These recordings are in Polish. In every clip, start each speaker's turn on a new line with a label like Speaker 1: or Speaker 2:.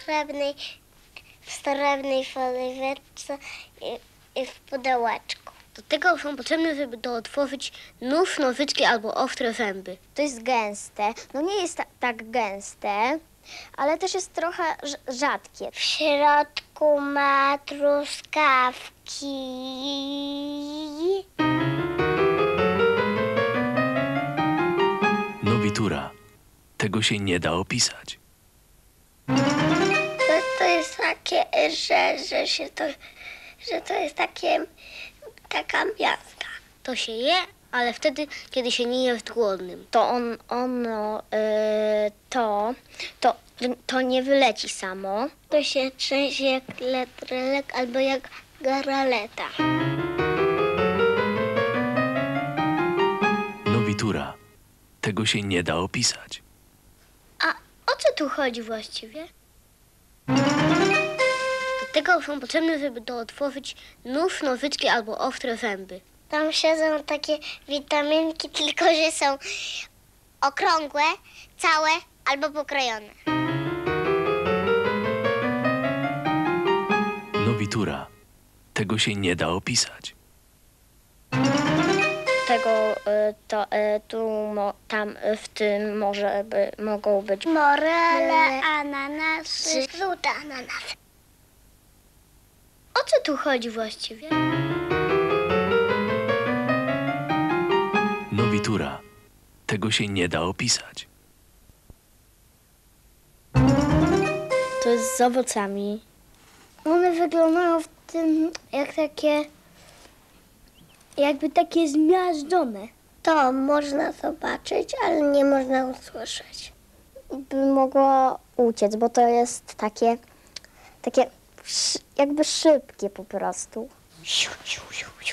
Speaker 1: srebrnej foliweczce i w pudełeczku.
Speaker 2: Do tego są potrzebne, żeby to otworzyć, nóż, nożyczki albo ostre zęby.
Speaker 3: To jest gęste. No nie jest tak gęste, ale też jest trochę rzadkie.
Speaker 1: W środku ma truskawki.
Speaker 4: Nowitura. Tego się nie da opisać.
Speaker 1: To jest takie, że to jest taka miazga.
Speaker 2: To się je, ale wtedy, kiedy się nie jest głodnym.
Speaker 3: To nie wyleci samo.
Speaker 1: To się trzęsie jak letrelek albo jak garaleta.
Speaker 4: Nowitura. Tego się nie da opisać.
Speaker 2: A o co tu chodzi właściwie? Do tego są potrzebne, żeby to otworzyć, nóż, nożyczki albo ostre zęby.
Speaker 1: Tam siedzą takie witaminki, tylko że są okrągłe, całe albo pokrojone.
Speaker 4: Nowitura. Tego się nie da opisać.
Speaker 3: Tam w tym mogą być
Speaker 1: Morele, ananasy, żółte ananasy.
Speaker 2: O co tu chodzi właściwie?
Speaker 4: Nowitura. Tego się nie da opisać.
Speaker 3: To jest z owocami. One wyglądają w tym jakby takie zmiażdżone.
Speaker 1: To można zobaczyć, ale nie można usłyszeć.
Speaker 3: By mogło uciec, bo to jest takie jakby szybkie po prostu.
Speaker 1: Siu, siu, siu, siu.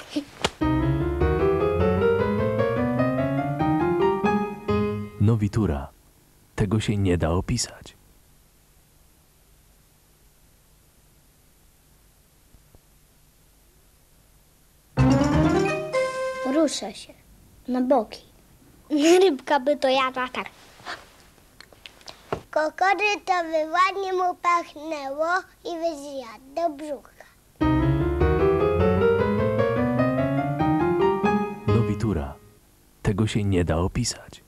Speaker 4: Nowitura. Tego się nie da opisać.
Speaker 3: Rusza się na boki. Rybka by to jadła tak.
Speaker 1: Kokory to by ładnie mu pachnęło i by zjadł do brzucha.
Speaker 4: Nowitura. Tego się nie da opisać.